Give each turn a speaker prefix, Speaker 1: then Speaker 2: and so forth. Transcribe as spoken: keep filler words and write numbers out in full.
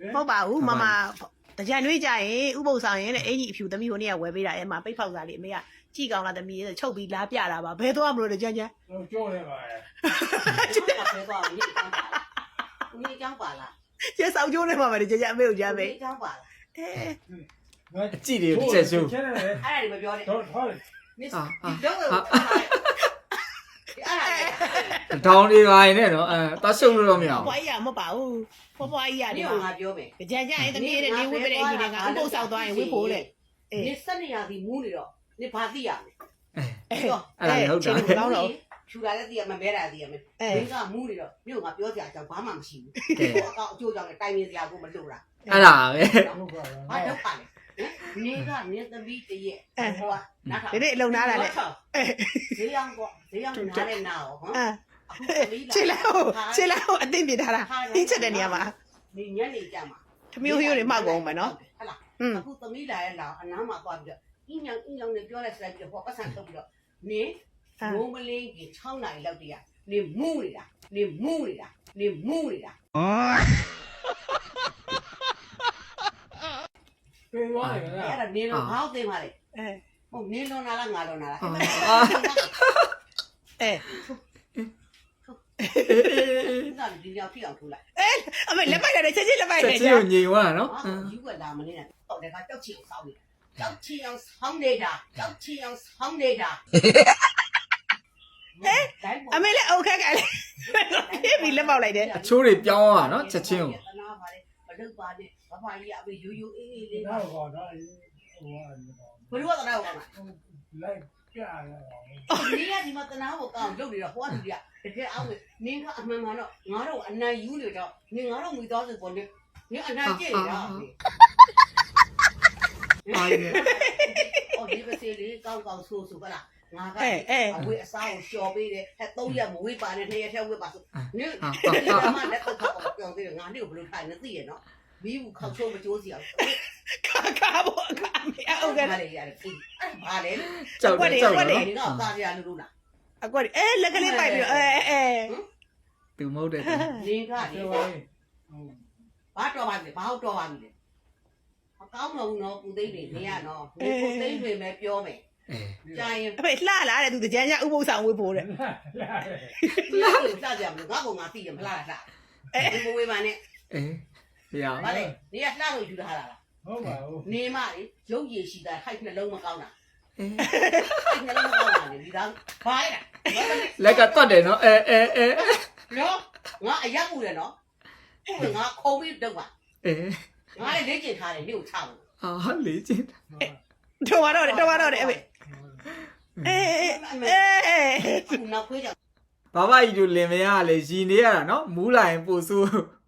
Speaker 1: ဟုတ်ပါဘူးမမတကြံနှွေးကြရင်ဥပုပ်ဆောင်ရင်လည်းအင်ကြီးအဖြူသမီးဟိုနေ့ကဝယ်ပေးတာအဲမှာပိတ်ဖောက်စားလေးအမေကကြည့်ကောင်းလားသမီးချုပ်ပြီးလားပြတာပါဘယ်သွားမလို့တကြံကြံ
Speaker 2: ကြောနေပါရဲ့
Speaker 3: ဘယ်သွားလဲဦးလေးကျောင်းပါလား
Speaker 1: ကျဆောက်ကျိုးနေမှာပဲကြံကြံအမေကိုကြမ်း
Speaker 3: ဦး
Speaker 1: ပဲ
Speaker 3: လေးကျောင်းပါလား
Speaker 1: အဲ
Speaker 4: အကြည့်တယ်ချက်ရှု
Speaker 2: ချဲတယ်
Speaker 3: အဲ့ဒါတွေမပြောနဲ့
Speaker 2: တော့ဟုတ်တယ်
Speaker 3: ဒီတော့အဲ့ဒါ
Speaker 4: ဒေါင်းတွေပါရင်လည်းနော်အဲတရှုပ်လို့တော့မရ
Speaker 1: ဘွား
Speaker 4: ဘူး
Speaker 1: ကြီးကမဟုတ်ပါဘူးဘွားဘွားကြီးက
Speaker 3: ဒီ
Speaker 1: ဒီ
Speaker 3: က
Speaker 1: မှာ
Speaker 3: ငါပြောမယ်
Speaker 1: ကြံကြံရင်သမီးရဲ့နေဝေးပေးတဲ့အင်ကြီးတွေကဥပုပ်ဆောင်သွားရင်ဝေးဖို့တဲ့အေး
Speaker 3: နေစနေရသည်မူးနေတော့နေဘာသိရမလဲ
Speaker 1: အဲ့
Speaker 4: အဲ့ဒါလည်းဟုတ်တာ
Speaker 1: ကောင်းတော့
Speaker 3: ဖြူလာတဲ့သိရမမဲတာသိရမယ်
Speaker 1: အဲ
Speaker 3: မင်းကမူးနေတော့မြို့ငါပြောစရာအကြောင်းဘာမှမရှိဘူးဟိုအကောင့်အကျိုးကြောင့်လည်းတိုင်နေစရာကိုမလိုတာ
Speaker 4: အဲ့ဒါပဲ
Speaker 2: ဟုတ်ပါ
Speaker 3: ဘာဒုက္ခလဲနေကနေသမီးတရဲ့ဟိုကနားထောင်
Speaker 1: ဒီနေ့အလုံနာတာလေအဲ
Speaker 3: ဈေးရောင်းပေါ့ဈေးရောင်းနားနဲ့နားရောဟမ်
Speaker 1: အဲ
Speaker 3: အခုသမီးလာ
Speaker 1: ခြေလောက်ခြေလောက်အသိပြထားတာအင်းချက်တဲ့နေရာမှာ
Speaker 3: နေညနေကြမှာ
Speaker 1: သမီးဟိုရိုးတွေမှောက်ကုန်မယ်နော်
Speaker 3: ဟုတ်လား
Speaker 1: อืม
Speaker 3: အခုသမီးလာရဲ့လာအနားမှာသွားပြီးတော့အင်းညောင်အင်းညောင်နဲ့ပြောလိုက်စလိုက်ပြီးတော့ဟောပတ်စံထုတ်ပြီးတော့နေငုံမလင်းကြီး၆နာရီလောက်တည်းကနေမူးနေတာနေမူးနေတာနေမူးနေတာ
Speaker 2: ပြေးသွားတယ်
Speaker 3: အဲ့ဒါနေတော့ဘာသိမှလဲ
Speaker 1: အဲ
Speaker 3: ဟုတ်နေတော့နာလားငါတော့နာလား
Speaker 1: အဲ
Speaker 3: ဒါဒီရောက်ထိအောင်ထိုးလိုက်
Speaker 1: အမေလက်ပိုက်ရတယ်ချက်ချင်းလက်ပိုက်
Speaker 4: ချက်
Speaker 1: တယ်
Speaker 4: ချင်းကိုညင်သွားတာနော်
Speaker 3: ဟာယူကလာမနေတာတော့လည်းကကြောက်ချီအောင်ဆောင်းနေတာကြောက်ချီအောင်ဆောင်းနေတာကြောက်ချီအောင်ဆောင်းနေတာ
Speaker 1: အမေလည်းအုတ်ခက်ကလည်းပြေးပြီးလက်ပေါက်လိုက်တယ်
Speaker 4: အချိုးတွေပြောင်းသွားတာနော်ချက်ချင်းကို
Speaker 3: တနာပါလေမလုပ်ပါနဲ့ဘာဖာကြီးအမေယူယူအေးအေးလေး
Speaker 2: တော့ကောတော့ဟို
Speaker 3: ဘယ်လိုကတနာကောင်းလား
Speaker 2: လိုက်ပြရတယ်
Speaker 3: နေရဒီမှာတနာကိုကောင်းလုပ်နေတော့ဟောသူကြီးကတကယ်အောက်နင်းကအမှန်မှန်တော့ငါတို့အနိုင်ယူနေတော့နင်ငါတို့မိသားစုပေါ်နေနင်အနိုင်ကျင့်နေတာ
Speaker 4: အာရ
Speaker 3: အော်ဒီပစီလေးကောင်းကောင်းဆိုးဆိုပါလားငါက
Speaker 1: အဲအဲ
Speaker 3: အဝေးအစားကိုလျှော်ပေးတယ်ဟဲ့သုံးရက်မဝေးပါနဲ့နှစ်ရက်ထဲဝေးပါဆိုနင်ဒီကမှလက်တော့တော့ပြောင်းသေးတယ်ငါနေ့ကိုဘယ်လိုထိုင်နေသိရနော်မီးဘူးခောက်ချိုးမကြိုးစီအောင်
Speaker 1: ခါခါဘောခါအမေအုတ်ခက်
Speaker 3: ဘာလဲရတယ်ပြီအဲ့ဘာလဲလို့
Speaker 4: ကြောက်တယ်ကြောက်တယ်
Speaker 3: ဒီ
Speaker 4: နော်
Speaker 3: ကသားရလူလူလား
Speaker 1: အကွက်အဲလက်ကလေးပိုက်ပြီးအဲအဲ
Speaker 4: သူမဟုတ်တယ်
Speaker 3: နင်ကလေ
Speaker 2: ပြောရင်း
Speaker 3: ဘာတော်ပါလဲဘာဟုတ်တော်ပါလဲမကောင်းတော့ဘူးနော်ကုသိန်းတွေနေရနော်ကုသိန်းတွေပဲပြောမယ်
Speaker 4: အဲ
Speaker 3: ကြာရင်
Speaker 1: အမေလှလာတဲ့သူကြမ်းကြဥပုပ်ဆောင်ဝေးဖို့တဲ့
Speaker 3: လာလို့စကြမလို့ငါကငါသိရမလားလားအဲဘဝေးပါနဲ့
Speaker 4: အဲရအောင်
Speaker 3: ဘာလဲနေရလှလို့ယူထားတာလား
Speaker 2: ဟုတ်ပါဘူး
Speaker 3: နေမလေရုပ်ရည်ရှိတာဟိုက်နှလုံးမကောင်းတာ
Speaker 4: အဲ
Speaker 3: ဟိုက်နှလုံးမကောင်းတာလေဒီသားဘာလဲ
Speaker 4: လက်ကတွတ်တယ်နော်အဲအဲအဲ
Speaker 3: နော်ငါအရက်ပူတယ်နော်ငါခုံပြီးတော့ပါ
Speaker 4: အဲ
Speaker 3: ငါလည်းလေ့ကျင့်ထားတယ်မြို့ချဖို့
Speaker 4: အာလေချင်း
Speaker 1: တော်ပါတော့တယ်တော်ပါတော့တယ်အမေအဲအဲအဲ
Speaker 3: နောက်ခွေးကြောင့်
Speaker 4: ဘာဘာကြီးတို့လင်မရလေရီနေရတာနော်မူးလာရင်ပို့ဆိုး